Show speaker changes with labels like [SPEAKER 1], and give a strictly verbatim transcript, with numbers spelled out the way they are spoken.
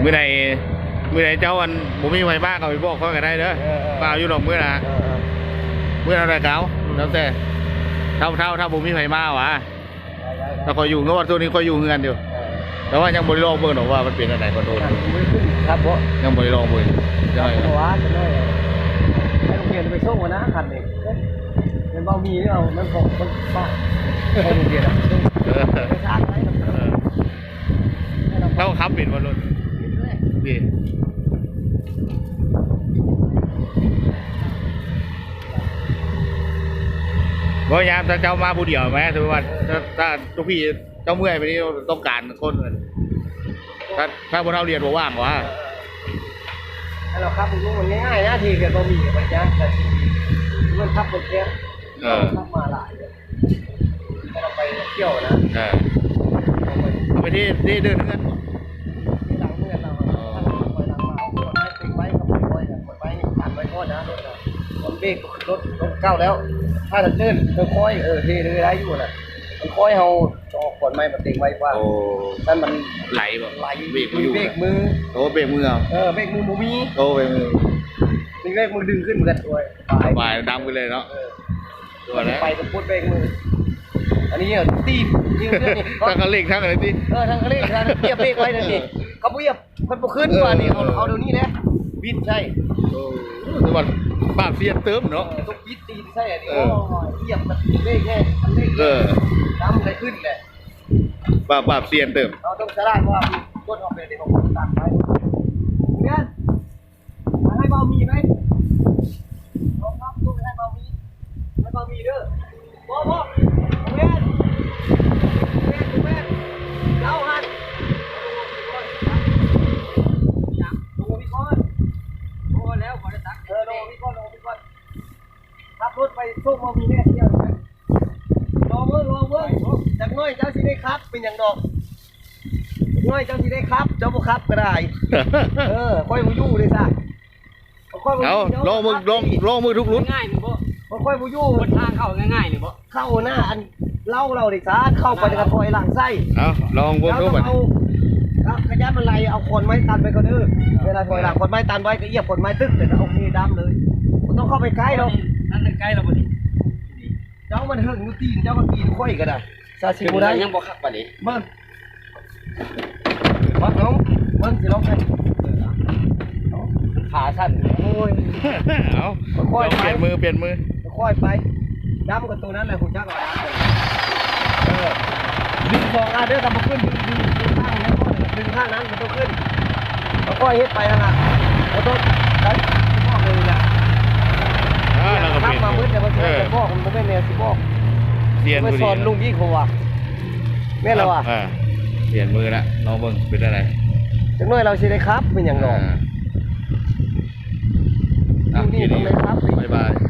[SPEAKER 1] มื่อใดเมื่อใดเจ้าอันผมมีไฟบ้าเขาไปบอกเขาก็ได้เด้อเปล่าอยู่หรอกเมื่อนะเมื่ออะไรเก้าแล้วแต่เท่าเท่าถ้าผมมีไฟบ้าวะถ้าคอยอยู่เงาตัวนี้คอยอยู่เงินอยู่แต่ว่ายังบริโภคเบิ่งหรอกว่ามันเป็นอะไรก็โดน
[SPEAKER 2] ครับเพราะ
[SPEAKER 1] ยังบริโภคเบิ่ง
[SPEAKER 2] ใช่เพราะว่าจะได้ให้โรงเรียนไปส่งวันนะคันเองเป็นเบามีเนี่ยเอามันของมันบ้าให้โรงเรียนนะไปชาร์จอะไร
[SPEAKER 1] เราขับเป็นวันรถดีว่ายามถ้าเจ้ามาผู้เดียวไหมถือว่าถ้าถ้าทุกพี่เจ้าเมื่อยไปนี่ต้องการคนถ้าถ้าพวกเราเรียนบอกว่างวะ
[SPEAKER 2] ถ้าเราขับมันมันง่ายๆนะทีเดียวก็มีกับมันยากแต่ทีมันขับรถแค่ขับมาหลายเลยถ้าเราไปเที่ยวนะ
[SPEAKER 1] เอาไปที่ที่เดินเงิน
[SPEAKER 2] หลังเมื่อเราไปหลังมาเอาคนไม้ติดไว้กับคนไว้คนไม้ตัดไว้ก้อนนะรถรถเบรกรถรถเก้าแล้วถ้าจะเดินค่อยๆเออเทเลยได้อยู่นะมันค่อยเอาจอกขวดไม้มาติงไว้ว่านั่นมัน
[SPEAKER 1] ไหลแบบ
[SPEAKER 2] ไหลเบรกมือเบรกมือ
[SPEAKER 1] โอ้เบรกมือ
[SPEAKER 2] เออเบรกมือมูมี
[SPEAKER 1] โอ้เบรกมือ
[SPEAKER 2] มีเบรกมือดึงขึ้นเหมือนกันด้วย
[SPEAKER 1] ไปดำไปเลยเนาะ
[SPEAKER 2] ตัวนี้ไปกับพุทธเบรกมืออันนี้เนี่ยตีนี่เรื่องนี้
[SPEAKER 1] ทั้งกระเล็กทั้งอะไรตี
[SPEAKER 2] เออทั้งกระเล็กทั้งเทียบเบรกไว้นั่นนี่เขาเทียบมันพอขึ้นกว่านี่เอาเอาเดี๋ยวนี้นะบิดใช่
[SPEAKER 1] สวัสดิ์ปากเสียเติมเนาะ
[SPEAKER 2] ต้องบิดตีใช่อันนี้เทียบมันเบรกแค่ทำเบรกน้ำเลยขึ้นเลย
[SPEAKER 1] ปากปากเสียเติม
[SPEAKER 2] เราต้องจะได้ว่าต้นออกเป็นเด็กของตัดไปเนี่ยให้เบามีไหมลองครับดูให้เบามีให้เบามีเด้อพ่อพ่อเว้นเว้นเว้นเจ้าหันลงพี่ก้อนลงแล้วขอจะตักเออลงพี่ก้อนลงพี่ก้อนขับรถไปส่งเบามีเนี่ยเที่ยวไหมลองเว้ยลองเว้ยจากน้อยเจ้าสิได้ครับเป็นอย่างดอกน้อยเจ้าสิได้ครับเจ้าบุครับก็ได้เออค่อยบูยู่เลยซะ
[SPEAKER 1] เอาลองมือลองลองมือทุกรุ่น
[SPEAKER 2] ง่ายหนึ่งบ่ค่อยบูยู่บนทางเข้าง่ายๆหนึ่งบ่เข้าหน้าอันเล่าเราดิซะเข้าไปกระถอยหลังไส้
[SPEAKER 1] เอาลองวนดูไป
[SPEAKER 2] เอากระยะมันไหลเอาคนไม้ตันไปก็ดื้อเวลาถอยหลังคนไม้ตันไว้ก็เอียบคนไม้ตึ๊กแต่โอเคดำเลยมันต้องเข้าไปใกล้เรา
[SPEAKER 3] นั่นใกล้เราพอดี
[SPEAKER 2] เจ้ามันหึงนูตีนเจ้ามันตีนค่อยก็ได้ซาซิมูได้
[SPEAKER 3] ยังบ่คักปานนี้
[SPEAKER 2] เบิ้งเบิ้งน้องเบิ้งสิลองให้ขาสั้นโอ้ย
[SPEAKER 1] เอาค่อยเปลี่ยนมือเปลี่ยนมือ
[SPEAKER 2] ค่อยไปดำกับตัวนั้นแหละคุณจักรเออดึงสองอันเด้อทำมาขึ้นดึงดึงดึงข้างนั้นดึงข้างนั้นมันต้องขึ้นค่อยเฮ็ดไปนะนะเราต้องได้พ่อเลยแหละทำมามืดแต่มันจะพ่อมันไม่ได้แนวสิบอก
[SPEAKER 1] เปลี่ยนมือ
[SPEAKER 2] สอนลุงยี่เขาว่ะแม่เราอ่ะ
[SPEAKER 1] เปลี่ยนมือละน้องเบิ้งเป็นอะไร
[SPEAKER 2] จังน้อยเราใช้ได้ครับเป็นอย่างหนอลุงยี่ทำได้ครับ
[SPEAKER 1] บ๊ายบาย